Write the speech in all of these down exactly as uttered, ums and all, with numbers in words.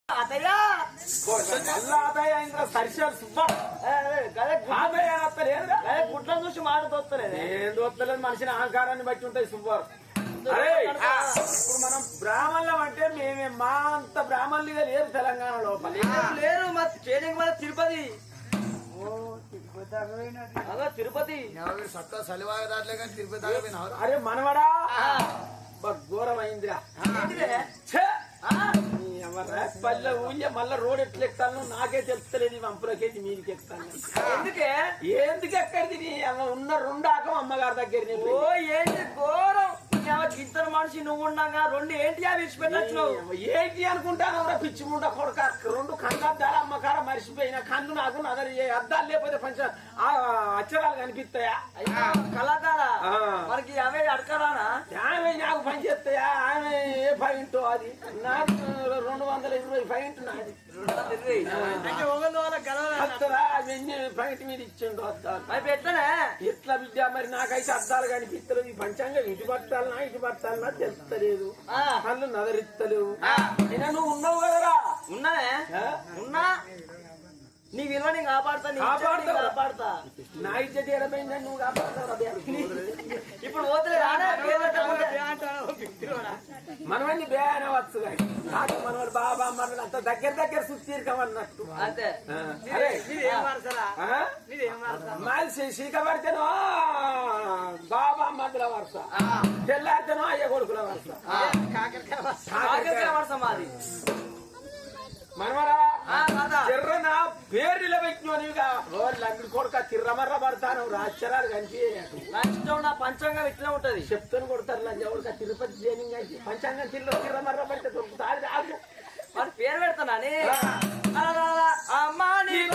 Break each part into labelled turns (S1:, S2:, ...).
S1: అతయ్యా
S2: అతయ్య ఇంకా సరిశాలు సుబ్బా
S1: గుట్ల చూసి మాట తోస్తలేదు
S2: ఏం తోస్తలేదు మనిషిని అహంకారాన్ని బట్టి ఉంటాయి సుబ్బారు. అరే ఇప్పుడు మనం బ్రాహ్మణులం అంటే మేమే మా అంత బ్రాహ్మణులుగా లేరు తెలంగాణ లోపల
S1: లేరు మా చేనికి మన తిరుపతి తిరుపతి
S3: సత్తా సలివాగ దాట్లే కానీ తిరుపతి దాకా.
S2: అరే మనవడా ఘోరమైందిరా పల్లె ఊళ్ళే మళ్ళా రోడ్ ఎట్లా ఎక్కుతాను నాకే తెలుస్తలేదు. వంపులకేసి మీదికి ఎక్కుతాను.
S1: ఎందుకే
S2: ఎందుకు ఎక్కడిది ఉన్న రెండు ఆకం అమ్మగారి దగ్గర.
S1: ఓ ఏంటి ఘోరం ఇద్దరు మనిషి నువ్వు ఉండగా రెండు ఏంటి అవి విడిచిపెట్టచ్చు.
S2: ఏంటి అనుకుంటాను పిచ్చి ముండ కొడక రెండు కళ్ళద్దాలు అమ్మకార మరిచిపోయిన కన్ను నాకు నగరి అద్దాలు లేకపోతే పంచ అక్షరాలు కనిపిస్తాయా
S1: కళ్ళద్దాలా మనకి అవే అడకరానా
S2: ఆమె నాకు పని చేస్తాయా ఆమె ఏ పాయింట్ అది నాకు రెండు వందల ఇరవై పాయింట్ నాది పాయింట్ మీద ఇచ్చిండు అద్దాలు
S1: అవి పెట్టనే
S2: ఎట్లా విద్య మరి నాకైతే అద్దాలు కనిపిస్తలేదు. ఈ పంచాంగం ఇటు పట్టాలనా ఇటు పట్టాలనా తెలుస్తలేదు. కళ్ళు నగరిస్తలేవు. అయినా నువ్వు ఉన్నావు కదరా.
S1: ఉన్నానే ఉన్నా నీ విలువ నేను కాపాడుతా కాపాడుతా
S2: నా ఇచ్చేది ఎడమైందని నువ్వు కాపాడుతావు.
S1: ఇప్పుడు పోతే
S2: మనవన్నీ బే అనవచ్చు కానీ నాకు మనవాడు బాబా మనవాడు అంత దగ్గర దగ్గర సుత్తీర్కమన్నట్టు.
S1: అంతే
S2: మాది శీక పడితేనో బాబా మధ్యల వరుస తెల్లారితేనో అయ్య కొడుకుల వరుస
S1: కాకరకాయ వరుస మాది.
S2: మనవరా చిర్రన పేరు నిలబెట్టినోనిగా రోజు లంగిడి కొడుక తిర్రమర్ర పడతాను రాశ్చరాలు కనిపి
S1: నా ఇష్టం నా పంచాంగం ఇట్లా ఉంటది.
S2: చెప్తాను కొడతారు లంజ కొడుక తిరుపతి జైనింగ్ అయితే పంచాంగం తిరిలో తిర్రమర్ర పడితే దొరుకుతారు రాదు
S1: వాడి పేరు పెడతానని అమ్మా నీకు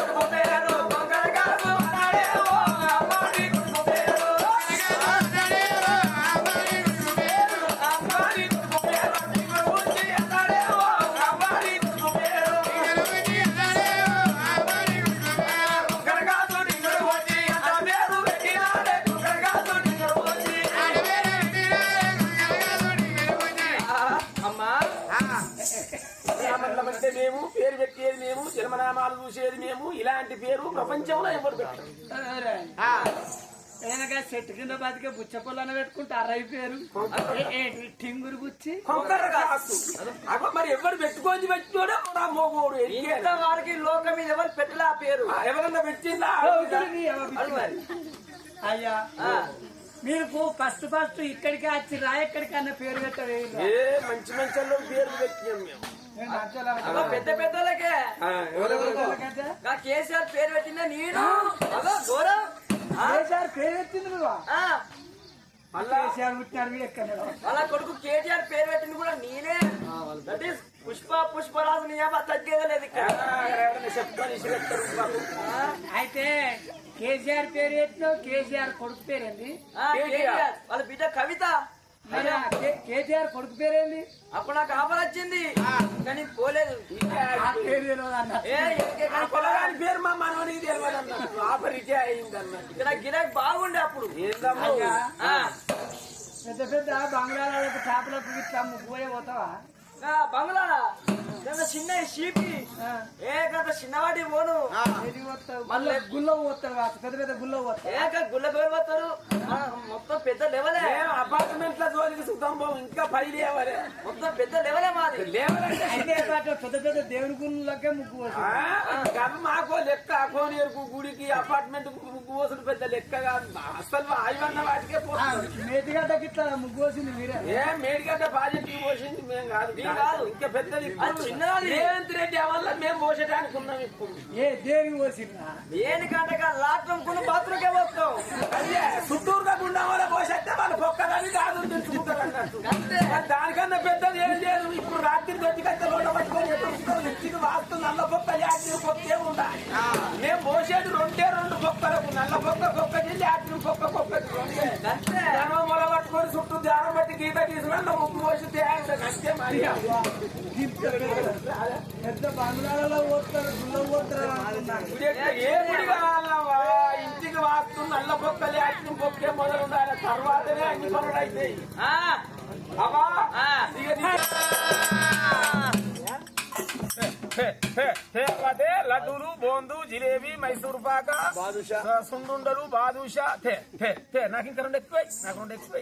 S2: అంటే మేము పేరు పెట్టేది మేము జన్మనామాలు చూసేది మేము ఇలాంటి పేరు ప్రపంచంలో ఎవరు పెట్టారు.
S1: చెట్టు కింద బతికే బుచ్చ పొలాన్ని పెట్టుకుంటే అరవై పేరు టింగురు బుచ్చి
S2: మరి ఎవరు పెట్టుకొని పెట్టినోడే మోగోడు.
S1: వారికి లోకం మీద ఎవరు పెట్టలే ఆ పేరు
S2: ఎవరన్నా పెట్టిందా
S1: అయ్యా మీరు ఫస్ట్ ఫస్ట్ ఇక్కడికి వచ్చి రా ఎక్కడికి అన్న పేరు పెట్టవే
S2: మంచి మంచి పేరు పెట్టినాం మేము.
S1: పెద్ద పెద్దలకే కేసీఆర్ పేరు పెట్టిందా నేను గౌరవ్ కేసీఆర్ పేరు పెట్టింది నువ్వు కేసీఆర్ పుట్టినాడు ఎక్కడ వాళ్ళ కొడుకు కేటీఆర్ పేరు పెట్టింది కూడా నేనే. దట్ ఈస్ పుష్ప పుష్పరాజు నీ తగ్గేదే లేదు. అయితే కేసీఆర్ పేరు పెట్టినావు కేసీఆర్ కొడుకు పేరేంది వాళ్ళ బిడ్డ కవిత. కేటీఆర్ కొడుకు పేరేంది అప్పుడు నాకు ఆఫర్ వచ్చింది కానీ పోలేదు.
S2: పేరు మా మనవనికి తెలియదు ఆఫర్ ఇటే అయింది అన్నట్టు.
S1: ఇక్కడ గిరాక్ బాగుండే అప్పుడు పెద్ద పెద్ద బంగ్లాలకు చేపలకు ఇట్లా ముగ్గుపోయే పోతావా బంగ్లా చిన్న షీపి ఏ కదా చిన్నవాటి పోను మళ్ళీ గుళ్ళో పోతారు పెద్ద పెద్ద గుళ్ళో పోతారు ఏ గుళ్ళ పేరు పోతారు మొత్తం పెద్ద లెవెలే
S2: అపార్ట్మెంట్ లో జోలికి సుతం ఇంకా పై లేవలే
S1: మొత్తం పెద్ద లెవెలే మాది
S2: లేవలంటే
S1: పెద్ద పెద్ద దేవుడి గుళ్ళకే ముగ్గు
S2: మాకో లెక్క అకోనేరుకు గుడికి అపార్ట్మెంట్ ముగ్గు పోసుడు పెద్ద లెక్క కాదు. అసలు ఆయువన్న వాటికే పోతుంది.
S1: మేడిగడ్డకి ఇట్లా ముగ్గు పోసింది మీరే.
S2: ఏ మేడిగడ్డ పాజిటివ్ పోసింది మేము కాదు ఇంకా పెద్దది రేవంత్ రెడ్డి వల్ల మేము పోసేటానికి ఉన్నాం. ఇప్పుడు
S1: ఏ దేనికి పోసిందా దేనికంటే లాట్రం కొన్ని బాత్రూకే పోతాం.
S2: అదే చుట్టూరుగా గుండా వల్ల పోసేస్తే వాళ్ళు పొక్కదని కాదు తెలుసుకుంటారు అన్నట్టు. దానికన్నా పెద్దది ఏం లేదు. ఇప్పుడు రాత్రి దొడ్డికైతే రోడ్డు పట్టుకొని ఇంటికి వాస్తు నల్ల పొక్క యాత్రి పొక్కే ఉండాలి. మేము పోసేది రెండే రెండు పొక్కలకు నల్ల పొక్క పొక్కకి యాత్రి పొక్క పొక్కకి రెండే మొల పట్టుకొని చుట్టూ దారం బట్టి గీత తీసుకున్నా ముగ్గు పోసి అంతే మరి.
S1: పెద్ద బంగ్లాలలో పోతారు గుళ్ళో పోతారు.
S2: ఏ గుడి కావాలవా ఇంటికి వాస్తు నల్ల పొక్కలు యాత్రి పొక్కే మొదలు ఉండాలి. తర్వాతనే అన్ని పనులు అవుతాయి. అవా అదే లడ్డూలు బోందు జిలేబీ మైసూర్ పాక
S3: బాదుషా.
S2: సుండుండలు బాదుషా తే తే తే నాకు ఇంకా రెండు ఎక్కువ నాకు రెండు ఎక్కువ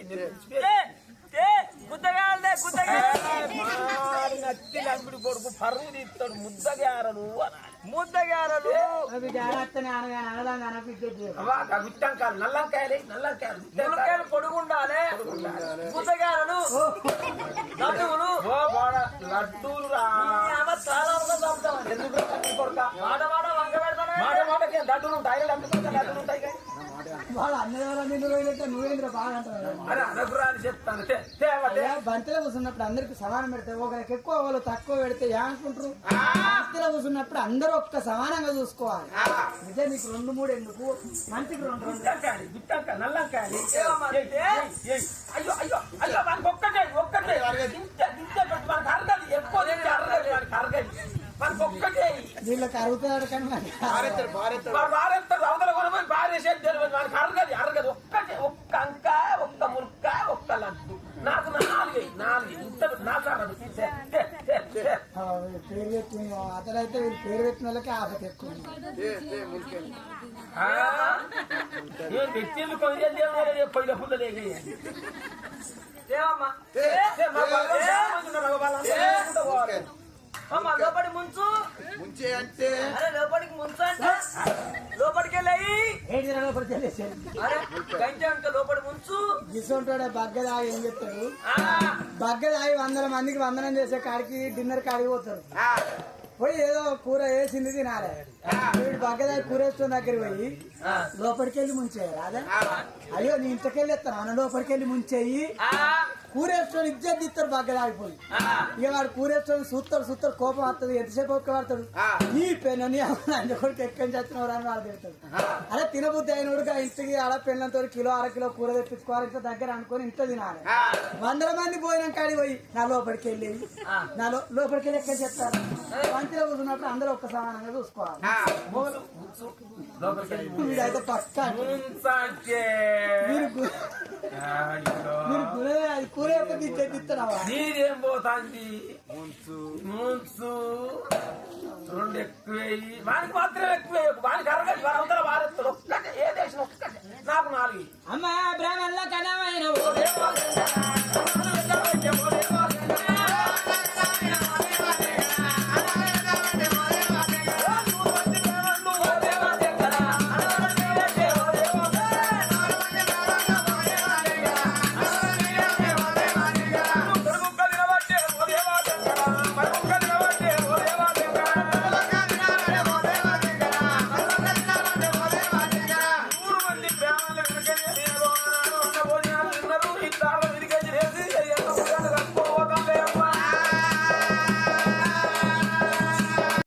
S1: గుద్దగాలే గుద్దగాలి
S2: నచ్చి లంబిడి కొడుకు పరువు తీస్తాడు ముద్దగారలు
S1: ముద్దగారలు
S4: అవి జాగ్రత్తనే అనగా అనదాన్ని అనపిద్దు
S2: గుట్టంకాయలు నల్లంకాయలు నల్లంకాయలు
S1: ములక్కాయలు పొడుగుండాలి గుద్దగారలు లడ్డువులు
S2: ఓ బాడ లడ్డూలు రా
S1: చాలా చంపుతాం
S2: ఎందుకు కొడుక
S1: మాట మాట వంక పెడతానే
S2: మాట మాటకి లడ్డూలు ఉంటాయి లడ్డూలు లడ్డూలు ఉంటాయి కానీ
S4: వాళ్ళు అన్ని వాళ్ళ నిన్ను రోజులైతే నువ్వేంద్ర బాగా అంటారు
S2: అరే అనకురా అని చెప్తాను తే తే అవ్వ, తే.
S4: బంతిలో కూర్చున్నప్పుడు అందరికి సమానం పెడితే ఒకరికి ఎక్కువ వాళ్ళు తక్కువ పెడితే ఏమనుకుంటారు బంతిలో కూర్చున్నప్పుడు అందరూ ఒక్క సమానంగా చూసుకోవాలి నిజం నీకు రెండు మూడు ఎందుకు మంచికి రెండు రెండు
S2: గుట్టంకాయలు గుట్టంకాయలు నల్లంకాయలు
S1: ఏమమ్మా
S2: ఏయ్, ఏయ్, ఏయ్. అయ్యో అయ్యో అయ్యో మనకు ఒక్కటే ఒక్కటే ఇంత ఇంత పెట్టి మనకు అరగదు ఎక్కువ తింటే అరగదు మనకు అరగదు మనకు ఒక్కటే
S4: వీళ్ళకి అరుగుతాడు కానీ మనకి
S3: భారెత్తాడు భారెత్తాడు
S2: వాడు వారెత్తాడు అవతల కొనమని బారేసేది తెలియదు మనకు అరగదు అరగదు ఒక్కటే ఒక్క అంక ఒక్క మురుక్క ఒక్క లడ్డు నాకు నాలుగు నాలుగు ఇంత నాకు అరగదు తే, తే, తే, తే.
S4: ఆ, పేరు పెట్టిన అతడైతే వీళ్ళు పేరు పెట్టిన వాళ్ళకి ఆపత ఎక్కువ ఉంది.
S3: ఏ, ఏ, మురికేను.
S2: ఆ? నేను పెట్టేది కొన్ని పొయ్యిల పుల్లలే
S1: ఏమమ్మా
S3: ఏ,
S2: ఏ, మా వాళ్ళు చాలామంది ఉన్నారు, వాళ్ళందరూ కూడా పోవాలి.
S1: అమ్మా లోపలికి ముంచు
S3: ముంచే అంటే
S1: అరే లోపలికి ముంచు అంటే లోపలికి వెళ్ళి
S4: ఏడు దినాల లోపల తెలిసేది
S1: అరే గంజ అంటే లోపలి ముంచు
S4: గిసొంటాడు బగ్గదాగి ఏం చెప్తాడు
S1: ఆ,
S4: బగ్గదాగి వందల మందికి వందనం చేసే కాడికి డిన్నర్ కాడికి పోతాడు
S3: ఆ,
S4: పోయి ఏదో కూర వేసింది తినాలి వీడు బగ్గదాగి కూర వేస్తున్న దగ్గర పోయి లోపలికి వెళ్ళి ముంచేయాలి అదే అయ్యో నీ ఇంటికెళ్ళి ఎత్తాను అన్న లోపలికి వెళ్ళి ముంచేయి
S1: ఆ,
S4: కూరేసుకొని ఇజ్జత్ ఇస్తారు బగ్గదాగిపోయి
S1: ఆ.
S4: ఇక వాడు కూరేసుకొని చూస్తాడు చూస్తాడు కోపం వస్తుంది ఎంతసేపు ఒక్క పడతాడు
S3: ఆ.
S4: నీ పెన్ను నీ కొడుకు ఎక్కడి నుంచి వచ్చినవారు అని వాళ్ళు తిడతాడు అలా తినబుద్ధి అయినోడు ఆ ఇంటికి ఆడ పెళ్ళంతో కిలో అర కిలో కూర తెప్పించుకోవాలి ఇంత దగ్గర అనుకొని ఇంట్లో తినాలి
S3: ఆ.
S4: వందల మంది పోయిన కాడి పోయి నా లోపలికి వెళ్ళి నా లో- లోపలికి వెళ్ళి ఎక్కడ చెప్తారు మంచిలో కూర్చున్నప్పుడు అందరూ ఒక్క సమానంగా చూసుకోవాలి
S3: ఆ.
S4: వీడైతే పక్క
S2: ముంచంటే.
S4: మీరు గు-
S2: అయ్యో.
S4: మీరు గురే అది కూర యొక్క ఇజ్జత్ ఇస్తున్నావా
S2: నీరేం పోతాంది
S3: ముంచు
S2: ముంచు రెండు ఎక్కువ వానికి మాత్రం ఎక్కువ వానికి అరగదు వాడు అవతల